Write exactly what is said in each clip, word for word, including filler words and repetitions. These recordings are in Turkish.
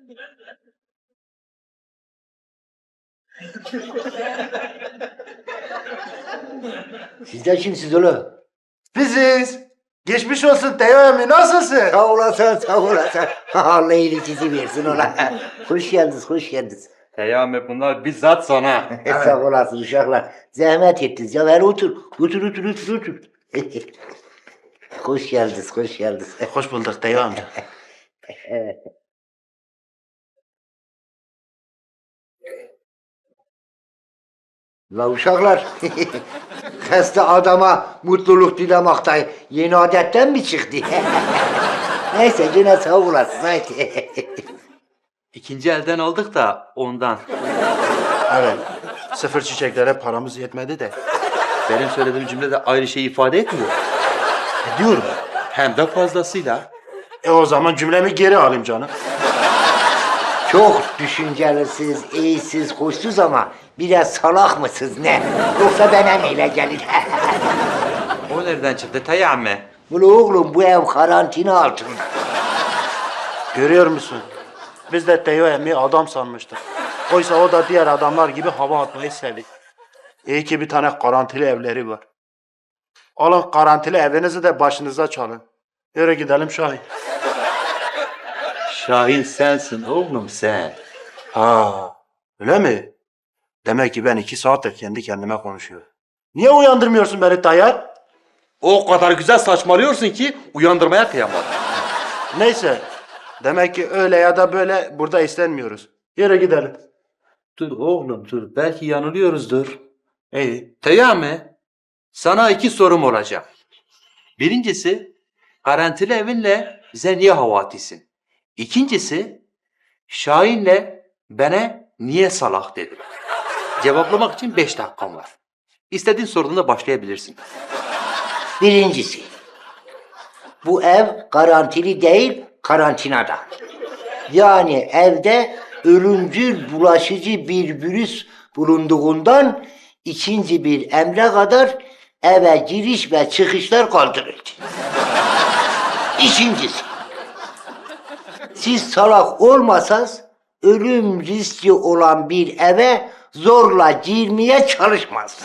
Siz de kimsiniz oğlum? Biziz. Geçmiş olsun Teo emmi, nasılsın? Sağ olasın, sağ olasın. Allah iyiliğinizi versin ola. Hoş geldiniz, hoş geldiniz. Peyami bunlar bizzat sana. Sağ olasın uşaklar. Zahmet ettiniz. Ya ver otur. Otur, otur, otur, otur. Hoş geldiniz, hoş geldiniz. Hoş bulduk Teo amca. La uşaklar, hasta adama mutluluk dilemekten yeni adetten mi çıktı? Neyse yine sağ olasın. Haydi. İkinci elden aldık da ondan. Evet. Sıfır çiçeklere paramız yetmedi de. Benim söylediğim cümle de ayrı şeyi ifade etmiyor. Ediyorum. Hem de fazlasıyla. E o zaman cümlemi geri alayım canım. Çok düşüncelisiniz, iyisiniz, hoşsuz ama biraz salak mısınız ne? Yoksa bana mı öyle gelir? O nereden çıktı Peyami? Ulu oğlum bu ev karantina altında. Görüyor musun? Biz de Teo emmi adam sanmıştık. Oysa o da diğer adamlar gibi hava atmayı seviyor. İyi ki bir tane garantili evleri var. Alın garantili evinizi de başınıza çalın. Yürü gidelim Şahin. Şahin sensin oğlum sen. Ha, öyle mi? Demek ki ben iki saattir kendi kendime konuşuyorum. Niye uyandırmıyorsun beni Tayyar? O kadar güzel saçmalıyorsun ki uyandırmaya kıyamadım. Neyse. Demek ki öyle ya da böyle burada istenmiyoruz. Yürü gidelim. Dur oğlum dur. Belki yanılıyoruzdur. İyi. Peyami, sana iki sorum olacak. Birincisi, garantili evinle bize niye hava atıyorsun? İkincisi, Şahin'le bana niye salak dedin? Cevaplamak için beş dakikam var. İstediğin sorduğunda başlayabilirsin. Birincisi, bu ev garantili değil, karantinada. Yani evde ölümcül bulaşıcı bir virüs bulunduğundan ikinci bir emre kadar eve giriş ve çıkışlar kaldırıldı. İkincisi, siz salak olmasanız ölüm riski olan bir eve zorla girmeye çalışmaz.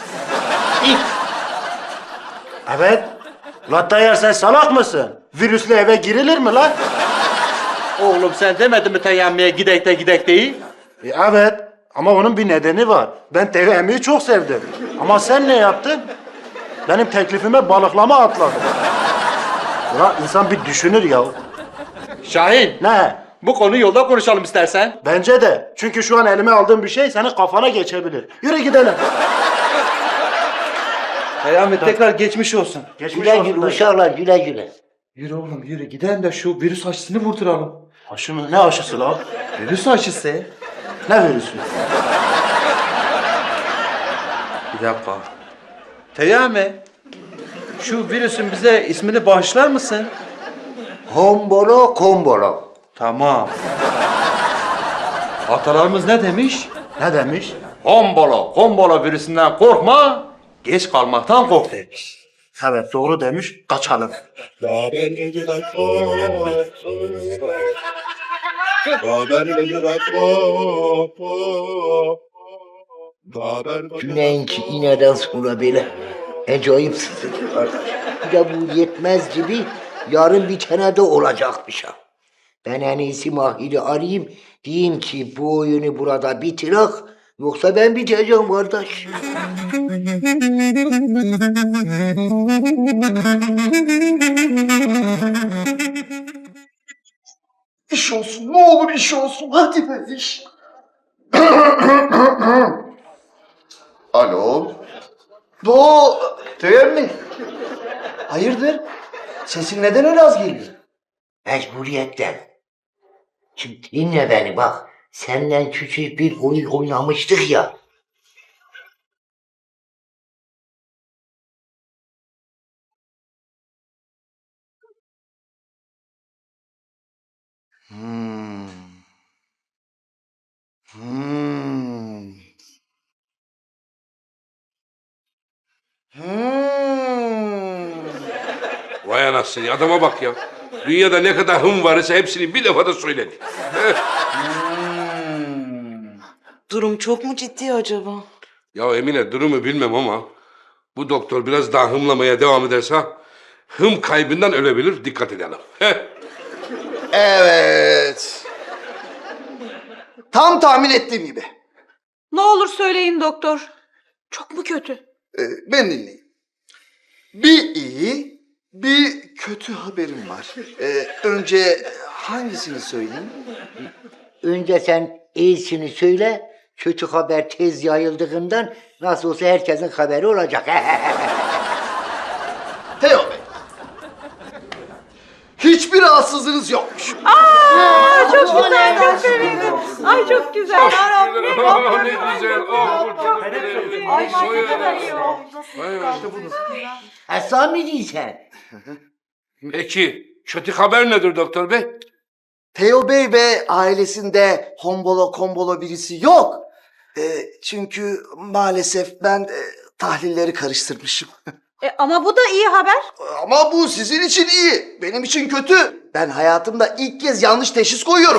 Evet. La Tayyar sen salak mısın? Virüslü eve girilir mi lan? Oğlum sen demedin mi Teyammi'ye gidek de gidek değil? E, evet. Ama onun bir nedeni var. Ben Teo emmiyi çok sevdim. Ama sen ne yaptın? Benim teklifime balıklama atladın. Ulan insan bir düşünür ya. Şahin, Ne? bu konuyu yolda konuşalım istersen. Bence de. Çünkü şu an elime aldığım bir şey senin kafana geçebilir. Yürü gidelim. Peyami tekrar geçmiş olsun. Geçmiş Güle olsun güle dayı. uşaklar, güle güle. Yürü oğlum yürü gidelim de şu virüs aşısını vurduralım. Aşı mı? Ne aşısı lan? Virüs aşısı. Ne virüsü? Bir dakika. Peyami, şu virüsün bize ismini bağışlar mısın? Hombolo kombolo. Tamam. Atalarımız ne demiş? Ne demiş? Hombolo, kombolo virüsünden korkma, geç kalmaktan kork demiş. Evet doğru demiş. Kaçalım. Haber geceler pop, haber geceler pop, pop. Haber Cüneyt'inki ineden sonra böyle acayip sıkıntı var. Bir de bu yetmez gibi yarın bir tane de olacakmış ha. Ben en iyisi Mahir'i arayayım, diyeyim ki bu oyunu burada bitirek, yoksa ben biteceğim kardeş. İş olsun, ne olur iş olsun. Hadi be iş. Alo. Bu Tüyer mi? Hayırdır? Sesin neden öyle az geliyor? Mecburiyetten. Şimdi dinle beni bak, senden küçük bir oyun oynamıştık ya. Hmm. Hmm. Hmm. Vay anasını adama bak ya. Dünyada ne kadar hım varsa hepsini bir defada söyledi. Durum çok mu ciddi acaba? Ya Emine durumu bilmem ama bu doktor biraz daha hımlamaya devam ederse hım kaybından ölebilir. Dikkat edelim. Evet. Tam tahmin ettiğim gibi. Ne olur söyleyin doktor. Çok mu kötü? Ee, ben dinleyin. Bir iyi, bir kötü haberim var. Ee, önce hangisini söyleyeyim? Önce sen iyisini söyle. Kötü haber tez yayıldığından nasıl olsa herkesin haberi olacak. Teo Bey. Hiçbir rahatsızlığınız yokmuş. Aa, çok güzel, çok sevindim. Ay çok güzel. ne güzel. Oh, Ay ne kadar iyi oldu. Ha, sen mi değilsen? Peki kötü haber nedir doktor bey? Teo Bey ve ailesinde hombolo kombolo birisi yok. Ee, çünkü maalesef ben e, tahlilleri karıştırmışım. E, ama bu da iyi haber. Ama bu sizin için iyi, benim için kötü. Ben hayatımda ilk kez yanlış teşhis koyuyorum.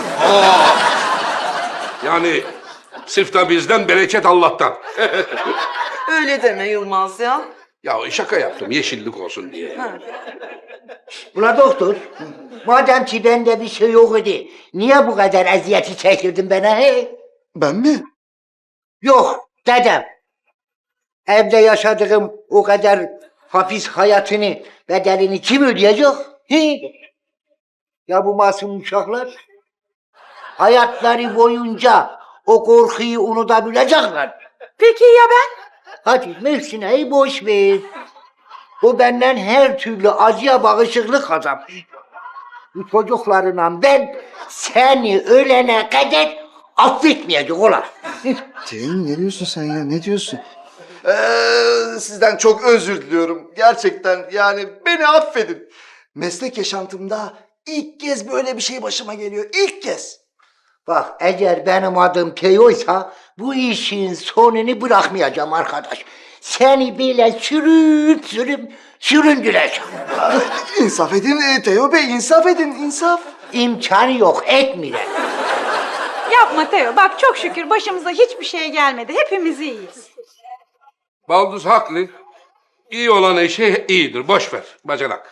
Yani sırf da bizden bereket Allah'tan. Öyle deme Yılmaz ya. Ya şaka yaptım yeşillik olsun diye. Ula doktor, madem ki bende bir şey yok idi, niye bu kadar eziyeti çektirdin bana he? Ben mi? Yok dedem. Evde yaşadığım o kadar hapis hayatını, bedelini kim ödeyecek? He? Ya bu masum uşaklar? Hayatları boyunca o korkuyu unutabilecekler. Peki ya ben? Hadi Mühsine'yi boş ver. O benden her türlü acıya bağışıklık kazanmış. Bu çocuklarına ben seni ölene kadar affetmeyecek ola. Cem ne diyorsun sen ya, ne diyorsun? Ee, sizden çok özür diliyorum. Gerçekten yani beni affedin. Meslek yaşantımda ilk kez böyle bir şey başıma geliyor. İlk kez. Bak eğer benim adım Teo'ysa bu işin sonunu bırakmayacağım arkadaş. Seni böyle sürüp sürüp süründüreceğim. İnsaf edin e, Teo Bey, insaf edin, insaf. İmkanı yok, etmeyeceğim. Yapma Teo. Bak çok şükür başımıza hiçbir şey gelmedi. Hepimiz iyiyiz. Balduz haklı. İyi olan eşi iyidir. Boş ver bacanak.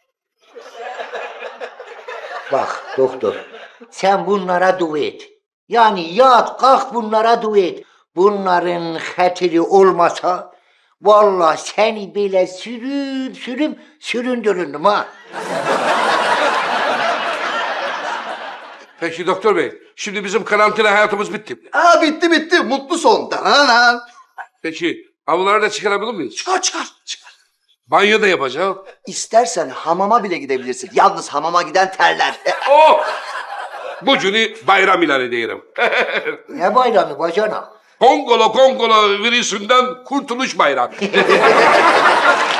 Bak doktor, sen bunlara dua et. Yani yat kalk bunlara dua et. Bunların hatiri olmasa vallahi seni böyle sürüp sürüp süründürürdüm ha. Peki doktor bey, şimdi bizim karantina hayatımız bitti. Aa bitti bitti, mutlu son. Dananan. Peki avluları da çıkarabilir miyiz? Çıkar çıkar çıkar. Banyo da yapacağız. İstersen hamama bile gidebilirsin. Yalnız hamama giden terler. E, Oh! Bu günü bayram ilan ediyorum. Ne bayramı bacana? Kongolo Kongolo virüsünden kurtuluş bayramı.